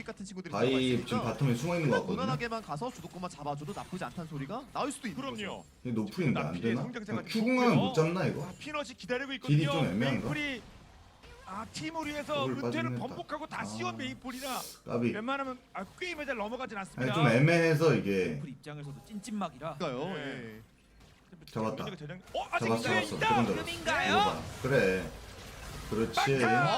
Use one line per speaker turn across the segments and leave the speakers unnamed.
오릭 같은 친구들이
바이 지금 바텀에 숨어있는 거 같거든요.
무난하게만 가서 주도권만 잡아줘도 나쁘지 않다는 소리가 나올 수도 있는 거죠.
그럼요.
이게 노플인데 안 되나?
성장세가
큐궁하면 못 잡나 이거?
피넛이 기다리고
딜이
있거든요.
좀 애매한가?
메이플이 팀을 위해서
더블
은퇴를
빠지겠다.
번복하고 다시 온 메이플이라
까비.
웬만하면 게임에 잘 넘어가진
아니
않습니다.
좀 애매해서 이게
그 입장에서도 찐찐막이라.
그러니까요.
네.
잡았다.
아직
잡았어
기회가
잡았어.
있다.
조금 더.
금인가요?
이거 봐. 그래. 그렇지.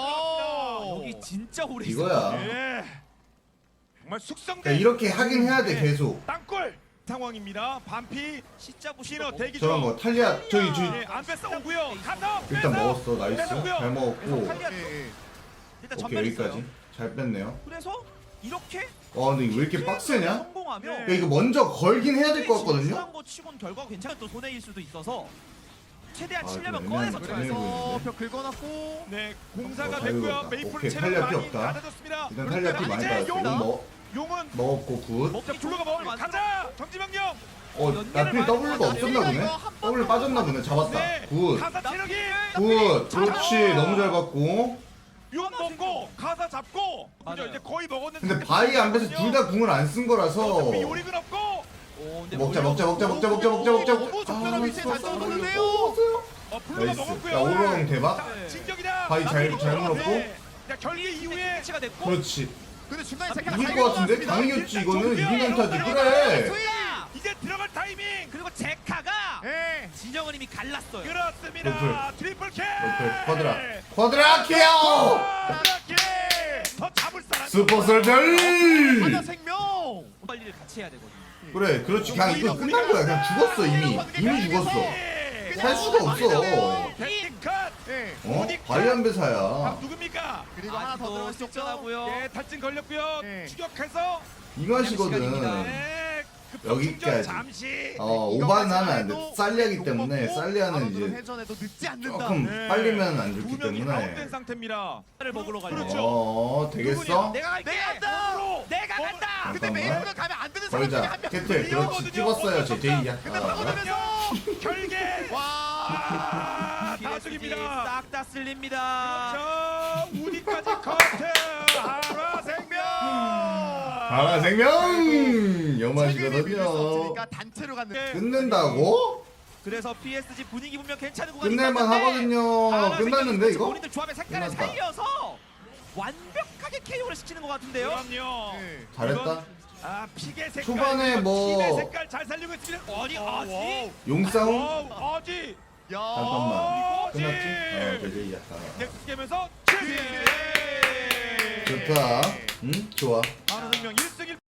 여기 진짜 오래
이거야.
예. 정말 숙성된
그러니까 이렇게 하긴 해야 돼 계속.
땅골 상황입니다. 반피
진짜
피너
부시너
대기
저런
중.
거 탈리아 저기
예, 안 뺐어 오고요. 가서
일단
뺐어.
먹었어. 나이스.
뺐고요.
잘 먹었고.
탈리아
예, 예.
일단
오케이
전멸 있어요.
여기까지. 잘 뺐네요.
그래서 이렇게
근데 이거 왜 이렇게 빡세냐?
성공하면
야, 이거 먼저 걸긴 해야 될 것 같거든요.
진출한 거 치곤 결과가 괜찮은 또 손해일 수도 있어서 최대한
아,
치려면
좀
꺼내서
애매하네.
쳐야죠.
그래서 벽 긁어놨고
네, 공사가
잘
됐고요.
긁었다.
메이플
오케이,
체력
탈리아 피
많이
없다.
낮아졌습니다.
일단 탈리아 피 많이
이제
받았어.
용!
이건
용은
먹었고 굿.
자, 블루가 먹을 가자. 정지명령.
나필 W가 없었나 보네? W 빠졌나 보네. 잡았다.
네.
굿.
가사 체력이
굿. 그렇지. 너무 잘 봤고.
용 먹고 가사 잡고 그죠?
맞아요.
이제 거의 먹었는데
근데 바이 안배서 둘 다 궁을 안 쓴 거라서
어차피 요리는 없고
근데
먹자
올려-
먹자 먹자 먹자 먹자 먹자 먹자.
너무 적절한 위치에 잘 떨어졌는데요.
블루가
나이스.
먹었고요.
야 오로랑 대박.
자, 진격이다.
바이 잘 물었고.
네. 자, 결계 이후에
위치가 됐고
그렇지.
근데 중간에 제가
이길 것 같은데? 당연했지 이거는. 이기면 타지. 그래.
소희야!
이제 들어갈 타이밍.
그리고 제카가
예.
진영은 이미 갈랐어요.
그렇습니다. 트리플 캐.
노플 쿼드라. 쿼드라 키오.
더 잡을 사람.
슈퍼 설별.
하나 생명.
빨리를 같이 해야 되거든요.
그래 그렇지. 그냥 이거 끝난 거야. 그냥 죽었어 이미. 이미 죽었어. 살 수가 없어.
백컷. 예.
바이 안배사야.
누굽니까?
그리고 하나 더
아직도
들어갈 수 있죠.
쫓겨나고요.
예, 탈진 걸렸고요.
네.
추격해서
이 맛이거든.
시간입니다.
네.
여기까지.
잠시.
오바는 하면 안 돼. 살리아기 때문에 살리아는 이제
회전에도 늦지 않는다.
조금
네.
빨리면 안
두
좋기
명이 아웃된
때문에.
상태입니다.
를 먹으러 가려.
그렇죠.
되겠어?
내가 갈게.
내가 간다.
으로.
내가 간다.
근데
잠깐만.
메이플가 가면 안 되는 사람 중에
걸자.
한 명.
캐틀 그렇지. 찍었어요 제 제이야.
근데 파고들면서
결계.
와.
다 죽입니다.
싹다 쓸립니다.
그렇죠. 우디까지 커트. 하라 생명.
가라 생명
최근에
여맛이거든요.
밀릴 수 없으니까 단체로 갔는데.
끝낸다고?
그래서 PSG 분위기 분명 괜찮은 구간이
끝낼만
있었는데
하거든요.
하나
끝났는데
생각이
이거?
본인들 조합의 색깔을
끝났다.
살려서 완벽하게 KO를 시키는 것 같은데요.
그럼요.
네.
잘했다.
픽의 색깔.
초반에 뭐-
픽의 색깔 잘 살리고 있습니다.
아니, 아직?
용싸움?
어지.
야.
잠깐만.
어지.
끝났지? 제 제이야.
넥스 게임에서
좋다. 응? 좋아.
하나 생명 1승 1.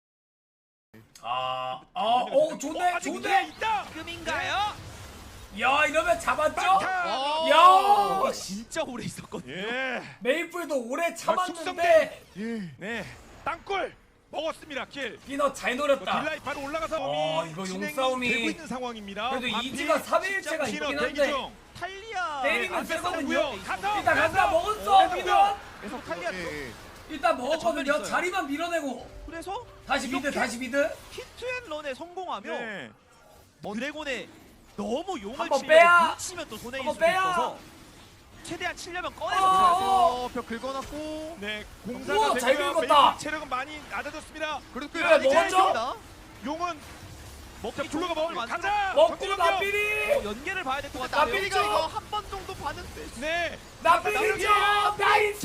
좋네,
아직
좋네.
기회 있다.
지금인가요?
야, 이러면 잡았죠?
막타.
야,
이게 진짜 오래 있었거든요.
예.
메이플도 오래
숙성된.
참았는데
네. 땅굴 먹었습니다. 킬.
피넛 잘 노렸다.
딜라이 바로 올라가서
이거
진행이
용싸움이-
되고 있는 상황입니다.
그래도
반피,
이지가 3일째가
피넛
있긴
대기
한데
중.
탈리아
때리면
안
세거든요.
뺐었고요. 가서,
일단 간다
가서.
먹었어
네,
피넛.
계속 탈리아
예.
일단 먹었거든요.
전멸 있어요.
자리만 밀어내고
그래서
다시 미드
이렇게
다시 미드.
히트앤런에 성공하면
네.
드래곤에 너무 용을
한번
치려고
빼야.
치면 또 손해일
한번
수도
빼야.
있어서 최대한 치려면 꺼내서
어.
들어가세요.
벽 긁어놨고.
네.
우와,
공사가
잘
되고요.
긁었다.
메이플 체력은 많이 낮아졌습니다.
그래도
그래,
많이
먹었죠?
짧습니다.
용은
먹기
블루가 먹을
좋은
가자.
먹고
정지명령.
나삐리.
연계를 봐야 될 것 같아요.
나비리가
나비리죠?
이거 한 번 정도 봤는데.
네.
나삐리죠. 나이스.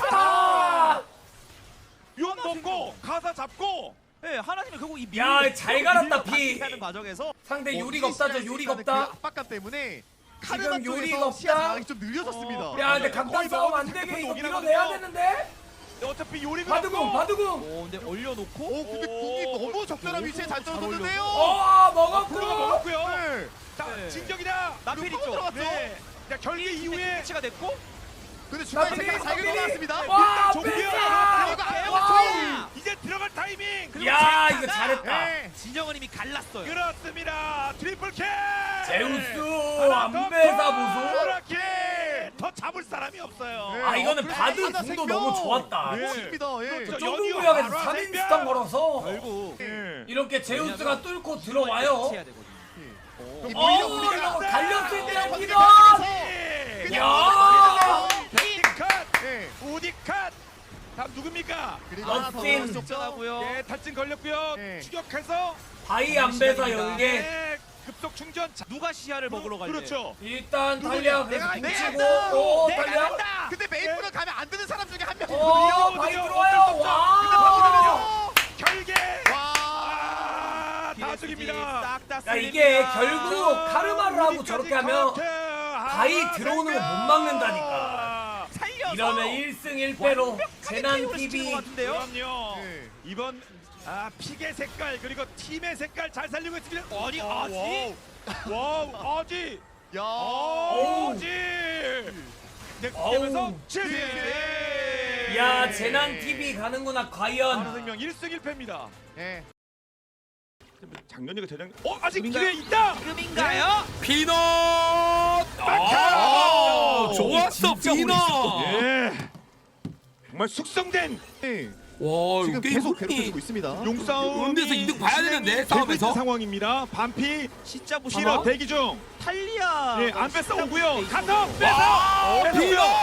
용 먹고 가사 잡고.
네, 하나님은 결국 이
야,
밀-
잘 갈았다,
밀고
피.
하는 과정에서
상대
뭐
요리가 없다죠.
시간이
요리가
있다는
없다.
그 압박감 때문에
지금
카르마
요리가
쪽에서 시야
없다.
장악이 좀 느려졌습니다.
야, 근데
거의
강단 싸움 안
먹으면
되게 이거
오긴
밀어내야
하거든요.
되는데.
어차피 요리가
바드궁,
없고.
바드궁.
근데 올려놓고
오 근데 궁이 너무 적절한 위치에 잘 떨어졌는데요.
블루가
블루가
먹었고.
먹었고요.
네.
자,
네.
진격이다.
나필 있죠.
들어갔죠.
네. 자, 결계 이후에
위치가 됐고
근데 중간에
나비리,
제가 잘
나비리.
긁어놨습니다.
와,
종료.
뺐다.
이거 아예
와우.
이제 들어갈 타이밍.
그리고
야,
제카가
이거 잘했다.
네.
진영은 이미 갈랐어요.
그렇습니다. 트리플 캐.
제우스
하나 더
안배사
더
보소.
이렇게 더 잡을 사람이 없어요.
네.
아, 이거는
그래,
바드
하나
궁도
생명.
너무 좋았다.
네.
멋집니다. 예.
그렇죠.
좁은
연이어
구역에서
바로
3인
생명.
스턴 걸어서
결국
예.
이렇게 제우스가 뚫고 들어와요.
같이 해야 되거든요.
오히려 우리가
이거 갈렸을 때야
어,
피넛.
네.
야.
백디컷,
예.
우디컷. 다음 누굽니까?
그리고 하나 더
럭킨.
넣었죠.
적절하고요.
예, 탈진 걸렸고요.
네.
추격해서
바이 안배사 연계.
네, 급속 충전.
누가 시야를 먹으러 갈지.
그렇죠.
일단 달리아 그래서
내가
붙이고
간다.
오
내가
달리아.
간다.
근데 메이플은 가면 안 되는 사람 중에 한
오
명이거든요.
바이
어쩔
들어와요.
수 없죠.
와.
결계.
와.
다 죽입니다.
야 이게 결국 카르마를 하고 저렇게 하면 바이 들어오는 거 못 막는다니까.
살려서
이러면 1승 1패로
완벽하게
재난
KO 를 시키는
TV
것 같은데요.
그럼요.
네.
이번 픽의 색깔 그리고 팀의 색깔 잘 살리고 있습니다.
아니, 아지?
와우 아지.
야.
아지. 넥스트면서
어우.
7승.
야 재난 TV 가는구나 과연.
하나생명 1승 1패입니다.
예.
작년이가 대장. 아직
지금인가요?
기회 있다.
지금인가요?
피넛!
아,
좋았어, 피넛!
예. 정말 숙성된
네.
와,
지금
이거 게임
계속
흥미.
괴롭혀주고 있습니다.
용싸움.
음대에서 이득 봐야 되는데, 싸움에서.
상황입니다. 반피
진짜
히러
보시면
대기 중.
탈리아
예, 안 뺐어 오고요. 가서
와,
뺏어.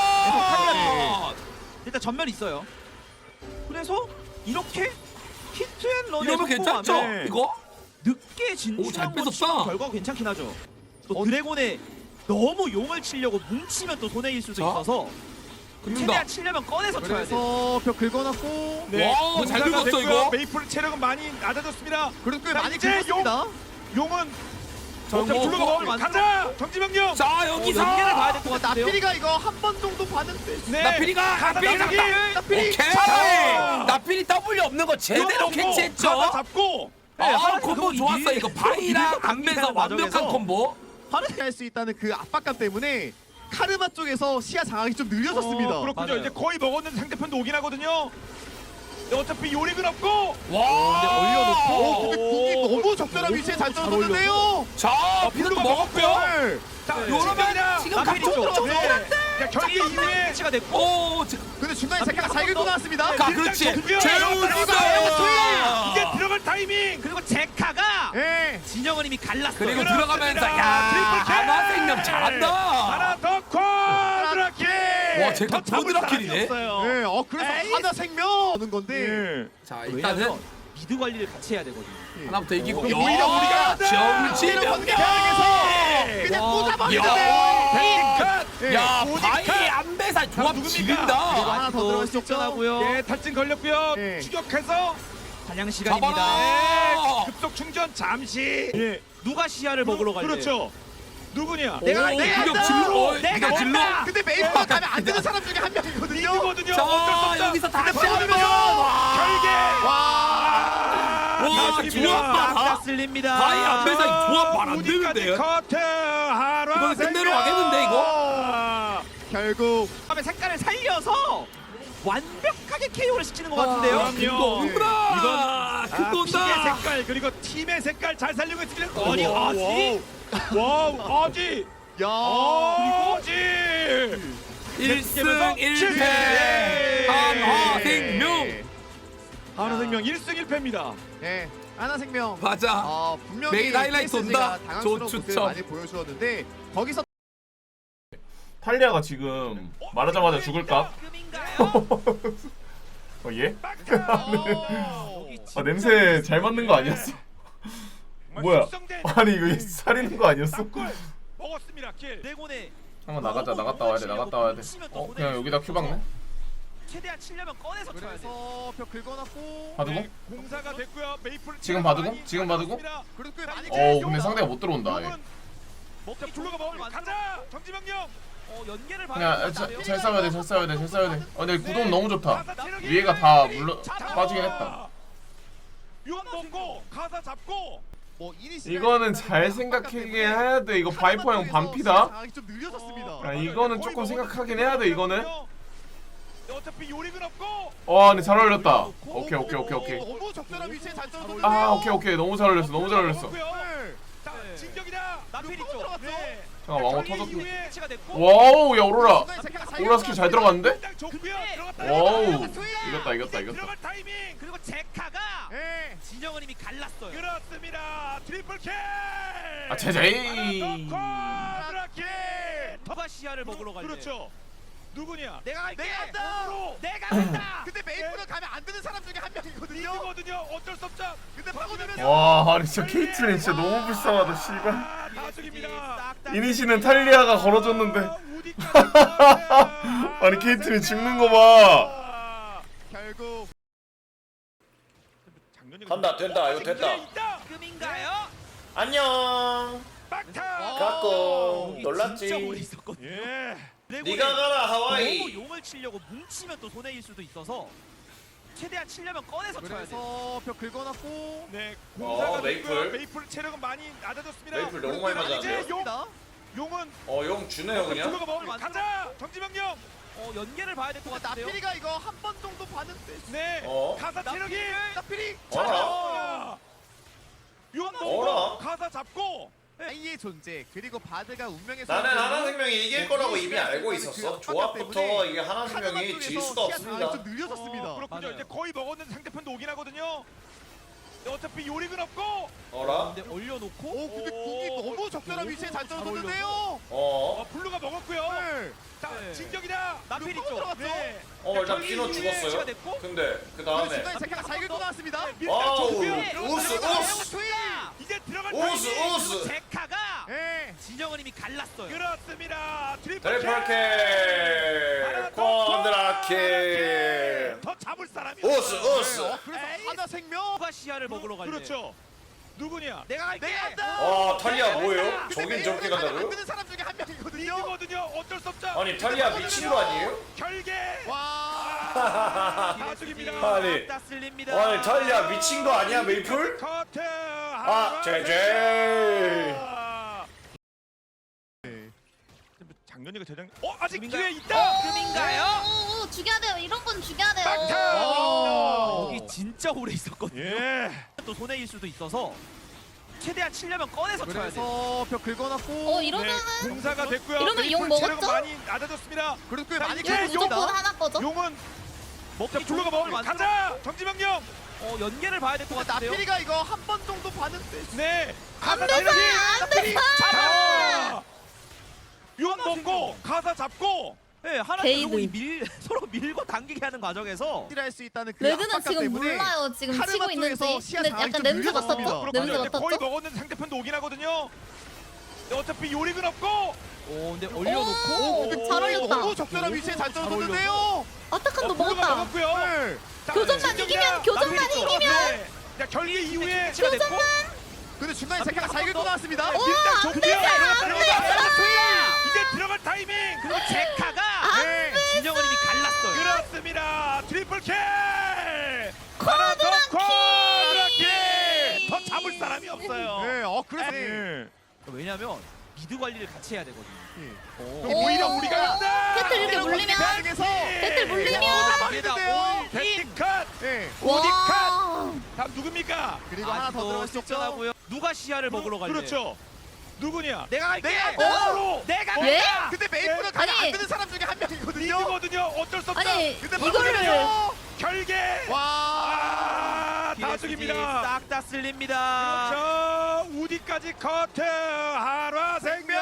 피넛!
일단 전면 있어요. 그래서 이렇게 히트앤런에
이러면 괜찮죠?
네.
이거?
늦게
오, 잘
진출한 건
뺏었다.
치고 결과가 괜찮긴 하죠. 또 드래곤에 너무 용을 치려고 뭉치면 또 손해일 수도
자,
있어서
긁는다.
최대한 치려면 꺼내서 쳐야 돼.
그래서 벽 긁어놨고
와, 잘 긁었어,
됐고요.
이거.
메이플 체력은 많이 낮아졌습니다.
그래도 꽤
자,
많이
이제
긁었습니다.
용은
자,
어차피
뭐,
둘러가
뭐,
먹으면 가자. 정지명령.
자, 여기서.
연계를 봐야 될 것 같은데요.
나필이가 이거 한 번 정도 봤는데.
네.
나필이가,
가다
나필이
잡기.
잡다.
나필이.
오케이! 나필이 W 없는 거 제대로
가다
캐치했죠?
잡고.
아, 콤보 좋았어, 이거. 바이랑 안배사 완벽한
과정에서
콤보.
파르게 할수 있다는 그 압박감 때문에 카르마 쪽에서 시야 장악이 좀 느려졌습니다.
그렇군요.
맞아요.
이제 거의 먹었는데 상대편도 오긴 하거든요. 어차피 요릭은 없고.
와,
근데 올려놓고 근데 궁이 너무 적절한 위치에 잘 떨어졌는데요.
자, 피넛도 먹었고요.
네.
자,
요러면 지금
나필이
각종
쪽.
들어가죠?
자, 결계 이후에
위치가 됐고
오, 지금.
근데 중간에 제카가 잘 긁고 나왔습니다.
가, 그렇지.
정규.
제우스!
이제 들어갈 타이밍.
그리고 제카가
예.
진영은 이미 갈랐어요.
그리고
그렇습니다.
들어가면서 야,
트리플 킬!
하나생명 잘한다.
하나 더 쿼드라킬.
와, 제가
더 잡을
쿼드라킬이네.
사람이 없어요.
예. 그래서
에이.
하나 생명 하는 건데.
예.
자,
왜냐면
일단은
미드 관리를 같이 해야 되거든요.
하나부터 이기고.
그럼 오히려 우리가
정지명령.
그냥
야.
꽂아버리는데요. 예.
야,
오직
바이
컷.
안배사 조합
누굽니까?
지린다.
하나 더 들어갈 수 있죠.
적절하고요.
예, 탈진 걸렸고요.
예.
추격해서
사냥 시간입니다.
잡아라.
급속 충전 잠시. 예.
누가 시야를 먹으러 갈지.
그렇죠. 누구냐?
내가
오,
내가
그냥
한다.
질러.
내가
그냥 질러.
한다.
근데 메이플 가면 안 되는 사람 중에 한 명이거든요.
이거든요.
자,
어쩔 수 없다.
여기서 다시
근데
한번.
결계.
와, 조합 봐라.
다 쓸립니다.
바이 안배사 조합 말 안 되는데요.
커트 하라.
이건 끝내러 가겠는데, 이거?
결국
다음에 색깔을 살려서 완벽하게 KO를 시키는 것 같은데요.
그럼요.
그거
이건
그거다.
픽의
그거다.
색깔 그리고 팀의 색깔 잘 살리고 있습니다.
아니, 아지?
와우, 아지.
야
아지.
1승 1패 한화생명.
하나생명 1승 1패입니다.
예. 하나 생명.
맞아.
분명히
메인 하이라이트
KS가
온다.
당황스러운
조
모습을
추첨.
많이 보여주었는데 거기서
탈리아가 지금 말하자마자 죽을까?
지금인가요?
예?
여기
아 냄새 잘 맡는 거 아니었어? 뭐야?
숙성된
아니 이거 살리는 거 아니었어?
sap골 먹었습니다. 킬.
드래곤에
한번 나갔다 와야 돼 나갔다 와야 돼. 그냥 여기다 큐 박네?
최대한 치려면 꺼내서 쳐야 돼.
그래서 벽 긁어놨고
바두고?
네, 공사가 됐고요. 메이플
지금 바두고? 지금 바두고?
그래도 꽤 많이
어우 근데 상대가 못 들어온다 얘.
먹자 불러가 먹으면 가자. 정지명령.
연계를 봐야
그냥
될것 같아요.
잘 싸워야 돼잘 싸워야 돼잘 싸워야 돼. 근데 구도는 너무 좋다. 위에가 다 물러 빠지긴 했다.
용 먹고 가사 잡고.
뭐
이거는 잘 생각하긴 해야 돼. 이거 바이퍼 형 반피다.
장악이 좀 느려졌습니다.
아, 이거는 조금 생각하긴 해야 돼, 이거는.
어차피 요릭은 없고.
와 근데 잘 어울렸다. 오케이
너무 적절한 위치에 잘 떨어졌는데요.
아 오케이 너무 잘 어울렸어 너무 잘 어울렸어.
네.
자 진격이다.
나필이 쪽.
네.
잠깐 왕호
결계
터졌네.
이후에
위치가 됐고.
와우 야 오로라.
중간에 제카가 잘
오로라 스킬 잘 들어갔는데?
당장 좋고요. 들어갔다.
와우
들어갔다.
이겼다
들어갈 타이밍.
그리고 제카가
예.
진영은 이미 갈랐어요.
그렇습니다. 트리플 킬.
아 제자이.
쿼드라킬.
누가 시야를 먹으러 갈지.
그렇죠. 누구냐?
내가
내가
한다.
한다. 내가 한다.
근데 메이플은 가면 안 되는 사람 중에 한 명이거든요.
이거거든요. 어쩔 수 없죠.
근데 파고들면서
와 아니 진짜 케이트린 진짜 너무 불쌍하다 씨발.
다 죽입니다.
이니시는 탈리아가 걸어줬는데
우디까지
아니 케이트린 죽는 거 봐.
결국
간다 된다 이거 됐다
지금인가요?
안녕
막타.
갖고
진짜 오래
놀랐지
있었거든요.
예.
네가 가라
너무
하와이
용을 치려고 뭉치면 또 손해일 수도 있어서 최대한 치려면 꺼내서 쳐야 돼.
그래서 벽 긁어놨고
네. 공사가
메이플.
됐고요. 메이플 체력은 많이 낮아졌습니다.
메이플 너무 많이 맞았는데요?
이제 용은
용 주네요 그냥
블루가 먹으면 가자. 정지명령.
연계를 봐야 될 것 같은데요.
나필이가 이거 한 번 정도 봤는데
네.
어?
가사 체력이.
나필이
어라
용
어라?
먹고 가사 잡고.
아이의 존재 그리고 바드가 운명의
나는
선택으로
하나생명이 이길 거라고 이미 알고 있었어 조합부터 이게
카르마
하나생명이 질
쪽에서
수가
시야
없습니다
상황이 좀 느려졌습니다.
그렇군요.
맞아요.
이제 거의 먹었는데 상대편도 오긴 하거든요. 어차피 요리는 없고.
어라?
근데 올려놓고
오 근데 궁이 너무 적절한 위치에 잘
잘
떨어졌는데요.
블루가 먹었고요.
네.
자,
네.
진격이다.
나필
또
있죠.
들어갔죠?
네.
일단 피노
시야
죽었어요
됐고
근데 그
그
다음에
중간에 제카가 잘 긁고 나왔습니다.
와우
밀당
우스 우스
이제 들어갈
우스
타이밍.
우스
제카가
예.
진영은 이미 갈랐어요.
그렇습니다. 트리플
트리플킬 콘드라킬
더 잡을 사람이
우스
없어요.
우스
그래서
에이.
하나 생명.
누가 시야를 먹으러 갈래?
그렇죠. 누구냐?
내가 갈게.
내가 한다.
와 탈리아 뭐예요?
근데
저긴
메이플은
저렇게
가면 안
간다고요?
되는 사람 중에 한 명이거든요.
이거거든요. 어쩔 수 없죠.
아니 탈리아 미친 거 아니에요?
결계.
와.
다 죽입니다.
아니
다 쓸립니다.
아니 탈리아 미친 거 아니야 메이플?
커트.
아 제제
작년이가 재작. 아직
지금인가요?
기회 있다.
지금인가요?
오, 죽여야 돼요. 이런 건 죽여야 돼요.
막타.
여기 진짜 오래 있었거든요.
예.
또 손해일 수도 있어서 최대한 치려면 꺼내서 쳐야 돼.
그래서 벽 긁어놨고.
이러면은
네, 공사가 됐고요.
이러면 용
메이플 체력은
먹었죠?
많이 낮아졌습니다.
그래도 꽤
자,
많이
이제
무조건
긁었습니다.
하나 거죠.
용은
먹기
자, 블루가 먹으면
만들어-
가자. 정지명령.
연계를 봐야 될 것 같은데요.
나필이가 이거 한 번 정도 봤는데.
네.
안
가사
돼서
체력이
안 돼서.
잡아. 용 먹고 가사 잡고.
네, 하나
게이드.
결국 서로 밀고 당기게 하는 과정에서
할 수 있다는 그
레드는
압박감
지금
때문에
몰라요. 지금
카르마
치고 있는지.
쪽에서 시야
근데
상황이
약간
좀
냄새
느려졌습니다.
맡았죠?
그렇군요.
냄새
이제 거의
맡았죠?
먹었는데 상대편도 오긴 하거든요. 어차피 요리는 없고.
근데
오,
올려놓고
근데
잘
궁이
올렸다.
너무 적절한 위치에 잘 떨어졌는데요.
아타칸도
블루가
먹었다.
먹었고요.
네.
자,
교전만
진격이다.
이기면, 교전만
나필이
이기면.
네. 자, 결계 이후에
치가 됐고
근데 중간에 제카가 잘 긁고 나왔습니다.
오,
밀당
안
좋고요.
돼서, 안
이제 들어갈 타이밍.
그리고 제카가
네.
진영은 이미 갈랐어요.
그렇습니다. 트리플 킬. 하나 더 쿼드라킬. 더 잡을 사람이 없어요.
네. 그래서
네.
왜냐면 미드 관리를 같이 해야 되거든요.
그럼
오.
오히려 우리가
간다.
배틀 이렇게 물리면
중에서
배틀 물리면
말이는데요.
배티컷.
네.
와.
다음 누굽니까?
그리고 하나 더 들어갈 수 있죠.
적절하고요. 누가 시야를 먹으러 갈래?
그렇죠. 누구냐?
내가 갈게.
바로
내가
예?
근데 메이플은 가면
아니.
안 되는 사람 중에 한 명이거든요.
이거거든요. 어쩔 수 없다.
아니,
근데
이거를
막으면서
결계.
와.
다 죽입니다.
싹다 쓸립니다.
그렇죠. 우디까지 커트. 한화생명.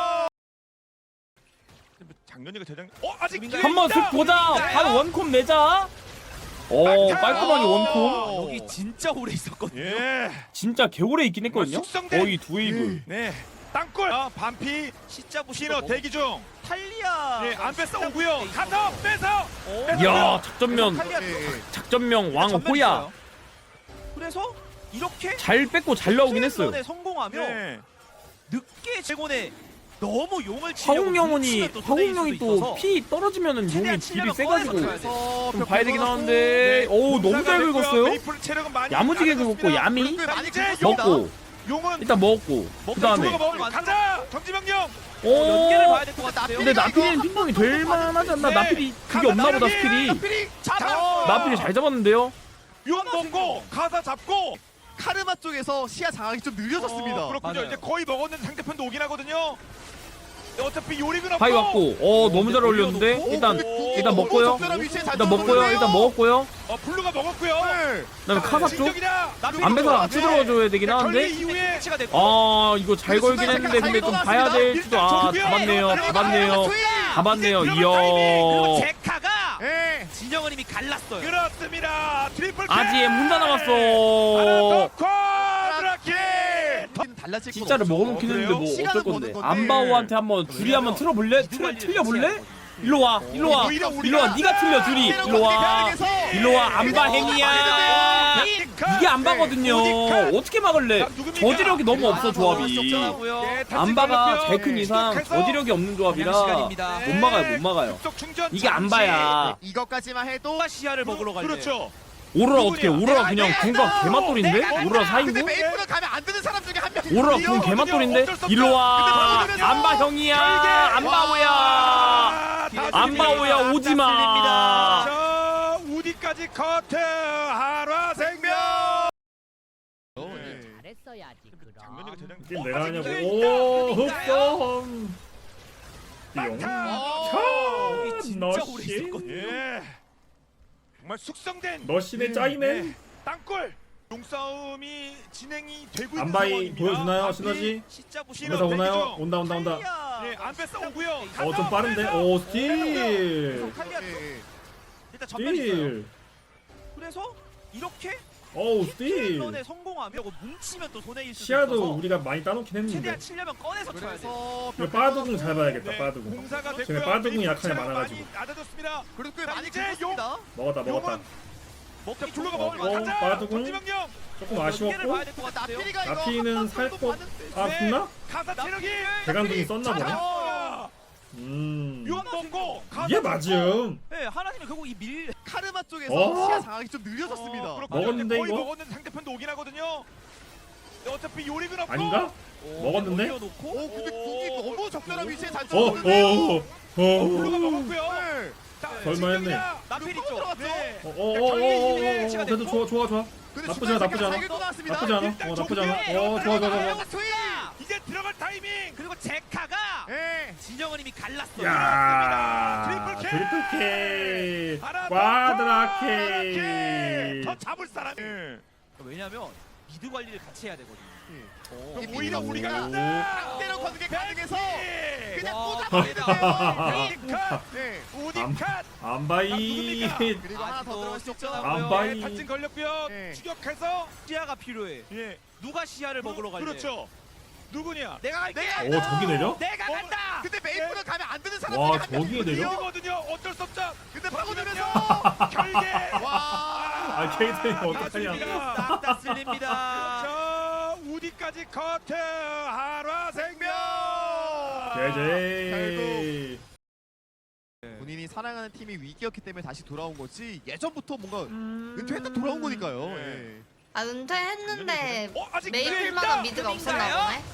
작년이가 재작. 아직 기회
한번
있다.
슥 보자. 바로 원콤 내자. 오 깔끔하게 원콤.
여기 진짜 오래 있었거든요.
예.
진짜 개오래 있긴 했거든요.
숙성된-
거의 두 웨이브.
네. 땅굴. 반피.
진짜
신호 대기 중.
탈리아.
예, 안 뺐어 오고요. 가서 빼서.
야 작전면
탈리아
작전명 왕
전면
호야.
있어요. 그래서 이렇게
잘 뺏고 잘 나오긴 했어요.
에 성공하면
네.
늦게 제곤에 너무 용을 치려고
화공영혼이
뭉치면 또 손해일
화공영이
수도
또
있어서
피 떨어지면은 용이
최대한
딜이
치려면
세가지고
꺼내서
그래서
좀
벽
봐야 되긴
긁어놨고.
하는데 오 너무 잘 긁었어요.
메이플 체력은 많이
야무지게
낮아졌습니다.
긁었고 야미
꽤 많이
이제
긁었습니다.
먹고
용은
일단 먹었고 그 다음에
블루가 먹으면 가자. 정지명령.
연계를
오
봐야 될 것 같은데요.
근데 나필이는 핑퐁이 될 만하지 않나?
네.
나필이 그게 없나 보다 스킬이.
나필이
잡아.
나필이 잘 잡았는데요.
용 먹고 가사 잡고.
카르마 쪽에서 시야 장악이 좀 느려졌습니다.
그렇군요.
맞아요.
이제 거의 먹었는데 상대편도 오긴 하거든요. 어차피 요리는 없고.
바위 왔고 너무 잘 어울렸는데
오,
일단
근데 궁이
일단
너무
먹고요.
적절한 위치에 잘
일단 먹고요.
떨어졌네요.
일단 먹었고요.
블루가 먹었고요.
네.
그다음에 카사 쪽
진격이다.
안배사 같이 들어가줘야 되긴
결계
하는데
이후에
치가 됐고
아 이거 잘 걸긴 했는데 근데 좀 봐야 될지도 아 잡았네요. 잡았네요. 잡았네요.
그리고
이어.
제카가
예.
진영은 이미 갈랐어요.
그렇습니다. 트리플 킬.
아지엠 혼자
하나
남았어.
더 쿼드라킬.
달라질 건
진짜를
없죠.
먹어놓긴 했는데 뭐
시간은
어쩔
버는
건데.
건데.
안바오한테 한번 둘이 한번 틀어볼래? 틀려볼래? 일로 와, 일로 와,
오히려
일로 와. 네가 틀려 둘이. 일로 와, 일로 와. 안바행이야. 이게 안바거든요. 어떻게 막을래? 저지력이 너무 없어 조합이. 안바가 제일 큰 이상 저지력이 없는 조합이라
시간입니다.
못 막아요, 못 막아요. 이게 안바야.
이것까지만 해도
누가 시야를 먹으러 갈래?
그렇죠.
오로라 어떻게? 오로라 그냥 궁각 개맛돌인데? 오로라
근데
4인구?
메이플은 가면 안 되는 사람 중에 한 명이
오로라 궁 개맛돌인데? 일로 와. 안바 형이야. 안바오야. 안바오야 오지마.
저 우디까지 커트 한화생명.
잘했어야지
장면이가 대장.
이게 내가 하냐고. 오 흑성. 띠용.
이게 진짜 오래 있었거든요.
예. 정말 숙성된
너씨네 짱이네.
땅굴 용싸움이 진행이 되고 있는
안바이
상황입니다.
보여주나요
앞이
시너지?
진짜
집에서 오나요? 온다 온다 온다.
예, 안 뺐어 오고요.
좀 빠른데? 오 스틸.
칼리아
예.
일단 전면 있어요.
스틸.
그래서 이렇게
어우 스틸.
런에 성공하면 이거 뭉치면 또 손해일 수도
시야도
있어서
우리가 많이 따놓긴 했는데.
최대한 치려면 꺼내서 쳐야 돼.
그래서
이거 빠두궁 잘 봐야겠다.
네,
빠두궁.
공사가
쟤네
됐고요.
빠두궁이 약한 애
체력
많아가지고.
많이 낮아졌습니다.
그래도 꽤
자,
많이
이제
긁었습니다.
먹었다 먹었다.
용은 먹자 블루가
어,
먹을 가자.
빠두궁?
전지명령.
조금
연계를
아쉬웠고.
봐야 될 것 같은데요.
나피리가 이거
나피는
한
살
번도
거.
봤는데.
아
네.
붙나?
가사 체력이
대강둥이 썼나 보네.
자, 용 먹고
이게 맞음.
네, 하나님은 결국 이 밀
카르마 쪽에서
어?
시야 장악이 좀 느려졌습니다.
먹었는데,
거의
이거?
먹었는데 상대편도 오긴 하거든요. 어차피 요리는 없고.
아닌가? 먹었는데?
올려놓고
오 근데 궁이 너무 적절한 위치에 잘
어,
쳤는데요.
블루가 먹었고요.
네.
자,
설마 했네.
진격이다.
나필 있죠.
네.
그래도 좋아 좋아 좋아.
근데
나쁘지 않아, 나쁘지 않아.
나왔습니다.
나쁘지 않아.
일단
나쁘지 않아.
좋고요.
좋아 좋아 좋아.
이제 들어갈 타이밍.
그리고 제카가
예.
진영은 이미 갈랐어요.
야
트리플
트리플 K
하나 더
꽈드라
K.
K.
더 잡을 사람이.
왜냐면 미드 관리를 같이 해야 되거든요.
그럼 오히려 우리가
오.
상대로 거두게 가능해서 그냥
와.
꽂아버리는데요. 네.
우디컷.
안바이.
그리고 하나 더 들어갈 수 있죠.
안바이.
탈진 걸렸고요.
네.
추격해서.
시야가 필요해.
예.
누가 시야를 먹으러 갈래?
그렇죠. 누구냐?
내가 갈게.
오 저기 내려?
내가 간다.
근데 메이플은 가면 안 되는 사람
와,
중에 한
저기에
명이거든요.
내려?
이거거든요. 어쩔 수 없죠.
근데 파고들면서
결계.
와.
아 케이트님 어떡하냐.
싹다 쓸립니다.
저 우디까지 커트 한화생명.
제제.
본인이 사랑하는 팀이 위기였기 때문에 다시 돌아온 거지 예전부터 뭔가 은퇴했다 돌아온 거니까요. 예.
아 은퇴했는데
아직
메이플만한 미드가 없었나 보네.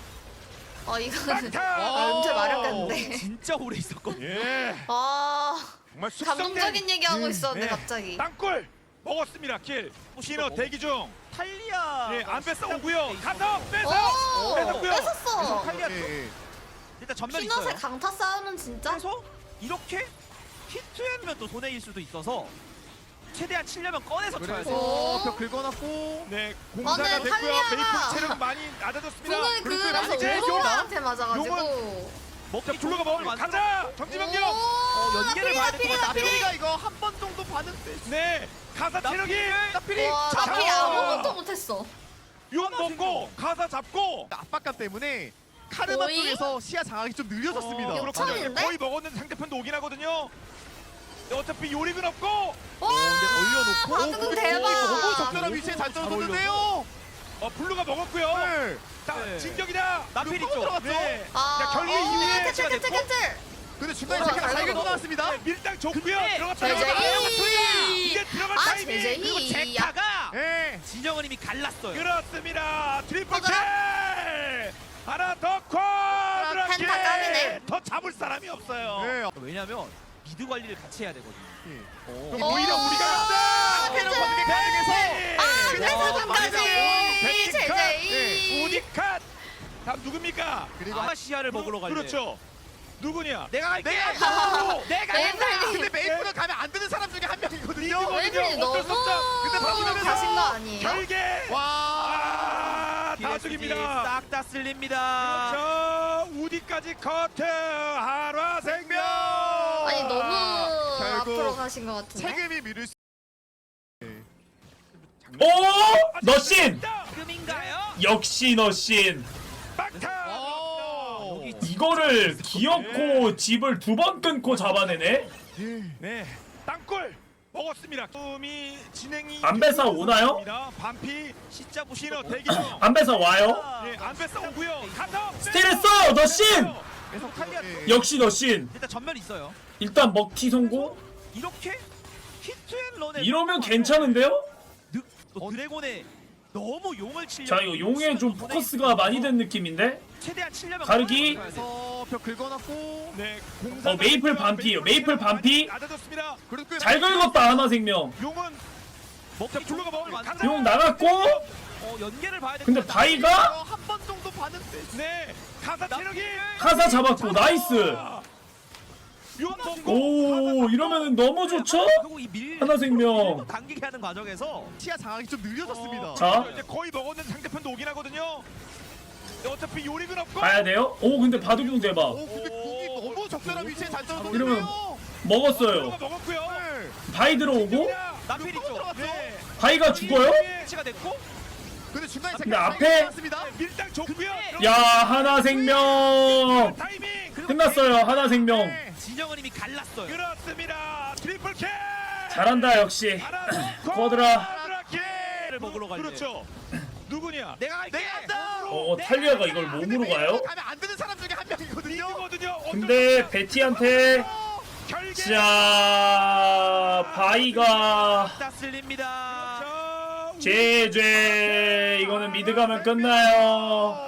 이거는 은퇴 마렵겠는데.
진짜 오래 있었거든.
예. 정말 숙성된
감동적인 얘기하고 있었는데
네.
갑자기.
땅굴 먹었습니다. 킬. 신호 대기 중.
탈리아.
예, 안 뺐어 오고요. 가서
오
뺏어. 뺏었고요.
뺏었어.
탈리아
예.
일단 전면
피넛의
있어요.
강타 싸움은 진짜.
그래서 이렇게 히트하면 또 손해일 수도 있어서 최대한 치려면 꺼내서 쳐야 돼.
그래서 벽 긁어놨고
네, 공사가
근데
됐고요.
탈리아가
메이플 체력 많이 낮아졌습니다.
궁을 그래서
이제
오로라한테 맞아가지고.
자, 블루가 먹을 가자. 정지명령.
연계를 봐야 될것 같아.
나피리가 이거 한 번 정도 봤는데
네, 가사 체력이
나피리
와 나필이 아무것도 못했어.
용 먹고 가사 잡고.
압박감 때문에 카르마
오이?
쪽에서 시야 장악이 좀 느려졌습니다.
이거 처음인데?
거의 먹었는데 상대편도 오긴 하거든요. 어차피 요리는 없고.
와
올려놓고
바둑은 대박.
너무 적절한 위치에 잘 떨어졌는데요.
블루가 먹었고요.
네.
자,
네.
진격이다.
나필 있죠.
들어갔죠.
네. 자, 결계 이후에
캔슬 캔슬 캔슬.
근데 중간에
어,
제가
잘
잘
먹어.
긁어놨습니다.
네, 밀당 좋고요. 들어갔다.
제제이.
이제 들어갈
아
타이밍.
제제이.
제카가
예.
진영은 이미 갈랐어요.
그렇습니다. 트리플 킬.
가자.
하나 더 쿼드라 킬.
펜타 까비네.
더 잡을 사람이 없어요.
네.
왜냐면 미드 관리를 같이 해야 되거든요.
그럼 오히려 우리가
상대로 거두게 가능해서
아
그냥
그래서까지
네.
제제이.
우디컷. 다음 누굽니까?
그리고
아마 시야를 먹으러 갈래.
그렇죠. 누구냐?
내가 갈게.
내가
메이플이
근데 메이플은 가면 안 되는 사람 중에 한 명이거든요.
웨이블이 너무
근데 파고들면서
가신 거 아니에요?
결계.
와.
다죽입니다.
싹다 쓸립니다.
그렇죠. 우디까지 커트 한화생명.
아니 너무
결국
앞으로 가신 것 같은데.
책임이 미룰 수.
오! 너신!
지금인가요?
역시 너신. 이거를 기어코 집을 2번 끊고 잡아내네?
네, 땅굴 먹었습니다. 꿈이 진행이
안배사 오나요?
반피
진짜
신호
무시로
대기 중.
안배사 와요?
예, 안배사 오고요. 가서
스틸했어! 너신!
계속 탈리아
역시 너신.
일단 전면 있어요.
일단 먹튀 성공?
이렇게 히트앤런에
이러면 괜찮은데요?
드래곤에 너무 용을 치려.
자, 이거 용에 좀 포커스가 많이 된 느낌인데?
최대한 치려면
가르기.
그래서 벽 긁어놨고.
네,
메이플 반피예요. 메이플 반피.
낮아졌습니다.
그래도 꽤
잘 긁었다, 하나생명.
용은
먹기
블루가 먹으면
완전
가자.
용 나갔고,
연계를 봐야 돼.
근데 바이가
한 번 정도 봤는데.
네, 가사 체력이
카사 잡았고, 나이스.
용 먹고
오, 이러면 너무 좋죠?
그리고 이 밀
하나생명.
당기게 하는 과정에서
시야 장악이 좀 느려졌습니다.
자.
이제 거의 먹었는데 상대편도 오긴 하거든요. 어차피 요리는 없고.
가야 돼요? 오, 근데 바둑용 대박.
오 근데 궁이 너무 적절한 위치에 잘 떨어졌네요.
이러면 먹었어요.
블루가 먹었고요.
바이 들어오고,
나필 있죠.
네.
바이가 죽어요?
위치가 됐고
근데 중간에
근데 앞에
습니다
밀당 좋고요.
야, 하나생명.
타이밍.
끝났어요, 하나생명.
진영은 이미 갈랐어요.
그렇습니다. 트리플 캐.
잘한다, 역시. 쿼드라.
를 먹으러 갈래.
그렇죠. 누구냐?
내가 갈게.
탈리아가 이걸 몸으로 가요?
가면 안 되는 사람 중에 한 명이거든요.
이거든요.
근데 베티한테
결계.
자, 바이가
다 쓸립니다.
제죄. 이거는 미드 가면 끝나요.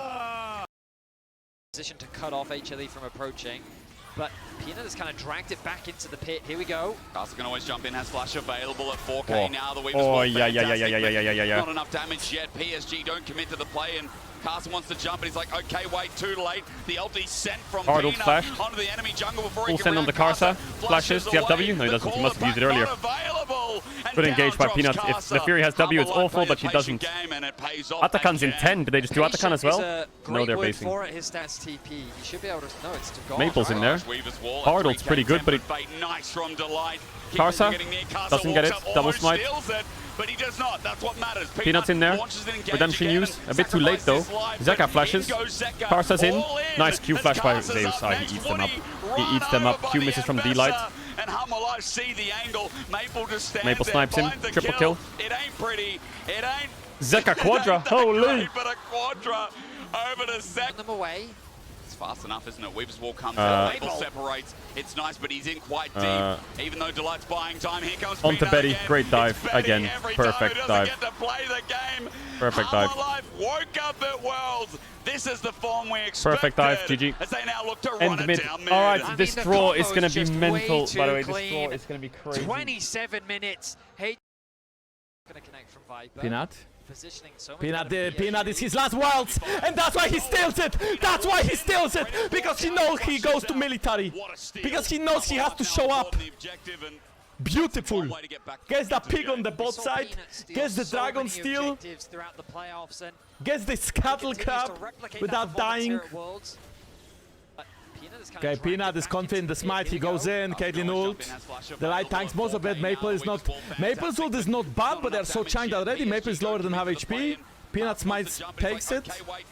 Position to cut off HLE from approaching, but Peanut has kind of dragged it back into the pit. Here we go.
Carson can always jump in, has flash available at 4K
Oh.
now. The Weavers
Oh,
will
yeah.
fantastic, but not enough damage yet. PSG don't commit to the play, and Carson wants to jump, but he's like, okay, wait, too late. The ulti sent from
Hardle
Pina
flash.
onto the enemy jungle before
Full
he
send
can
on the
react.
Karsa. Flashes. Do you have W? No, he doesn't. He must have used it earlier. Good engage by Peanut. If the Fury has W, it's awful, but he doesn't. Atakan's in 10. Did they just do Atakan as well? No, they're basing.
For it. His stats TP. He should be able to. No, it's to go.
Maple's in there. Hardle's pretty good, but
nice from Delight.
Karsa doesn't get it. Double smite.
But he does not. That's what matters.
Peanut's in there. Redemption use. A bit too late though. Zeka flashes. Karsa's in. Nice Q flash by Zeus. He eats them up. He eats them up. Q misses from D-Light.
And Hammerlife see the angle. Maple just stands
Maple
there,
snipes him.
finds the
Triple kill.
It ain't pretty. It ain't.
Zeka Quadra. Holy.
But a Quadra over to Zek.
Them away.
It's fast enough, isn't it? Weaver's wall comes out. Maple separates. It's nice, but he's in quite deep. Even though Delight's buying time, here comes
Onto
Pino
Betty.
again.
Great dive.
It's Betty
Again.
every
Perfect
time.
dive.
Doesn't get to play the game.
Perfect dive.
Hammerlife woke up at Worlds. This is the form we expected.
Perfect dive. GG.
As they now look to run
End
it
mid.
down mid.
Alright, this
the
draw is
combo
gonna
is
be
just
mental.
way too
By the way, this draw
clean.
is gonna be crazy.
27 minutes. Hey. Gonna connect from Viper.
Peanut.
Positioning so much
Peanut,
better for
Peanut
PSG.
is his last worlds, and that's why he steals it. That's why he steals it, because he knows he goes to military, because he knows he has to show up. Beautiful. Gets the pig on the bot
Saw
side,
Peanut steal
gets the
so
dragon
many
steal,
objectives throughout the playoffs, and
gets the scuttle
continues
crab
to replicate
without
that performance
dying.
here at Worlds. But Peanut is kind
Okay,
of
Peanut
dragged
is
back
confident,
into
the smite,
pit.
he
Here we
goes
go.
in, Caitlyn ult. The light tanks most of it, Maple is not... Maple's ult is not bad, but they're so chunked already, Maple is lower than half HP. Peanut smites, takes it.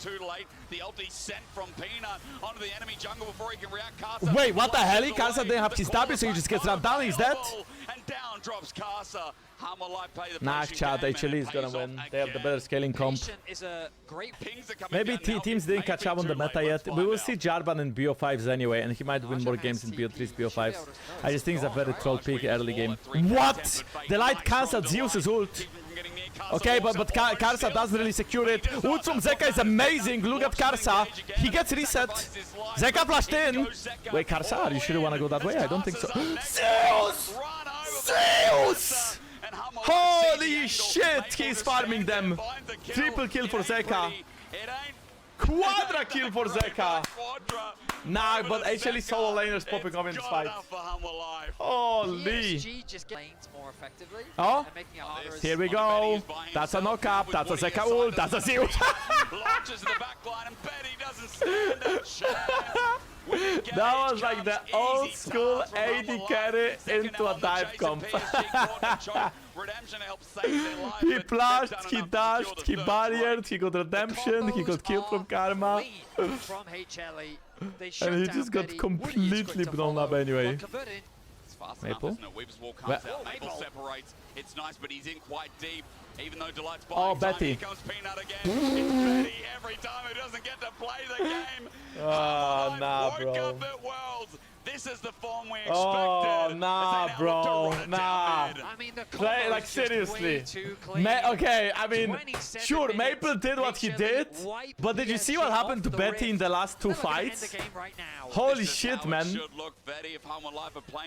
Wait, what the hell? Karsa didn't have his W, so he just gets rammed down, he's dead. Nice chat, HLE is gonna win. They have the better scaling comp.
Is a great
Maybe teams didn't catch up on the meta yet. We will see Jarvan in BO5s anyway, and he might win more games in BO3s, BO5s. I just think it's a very troll pick early game. What? The light cancelled Zeus's ult. Okay, but Karsa doesn't really secure it. Ult from Zeka is amazing. Look at Karsa. He gets reset. Zeka flashed in. Wait, Karsa, you sure you want to go that way? I don't think so. Zeus! Zeus! Holy shit, he's farming them. Triple kill for Zeka. Quadra kill for Zeka. Nah, but HLE solo laners popping up in this fight. Holy.
PSG just lanes more effectively.
Oh,
and making it harder as
here we go. That's a knock-up, that's a Zeka ult, that's a Zeus.
Launches the back line and Betty doesn't stand a chance.
That was like the old school AD carry into a dive comp. He flashed, he dashed, he barriered, he got redemption, he got killed from Karma.
From HLE. They shut
And he
down
just got
Betty. Woody is going
completely
to
blown up
follow.
anyway.
But converting,
Fast
Maple?
enough, isn't it? Weaver's wall comes
Well-
out. Maple separates. It's nice, but he's in quite deep. Even though Delight's
Oh,
buying time,
Betty.
here comes Peanut again. It's Betty every time he doesn't get to play the game.
Oh, nah,
woke
bro.
up at Worlds. This is the form we expected.
Oh,
as they
nah,
now look to
bro.
run it
Nah.
down mid.
I mean, the
Play,
combo
like,
is just
seriously.
way too clean.
Okay, I mean,
27
sure,
minutes,
Maple did what he
HLE
did,
wipe
but did you see what
PSG
happened to
off the
Betty in
rift.
the last two
They're looking to end
fights?
the game right now.
Holy
This is
shit,
how it
man.
should look. Betty, if Home and Life are playing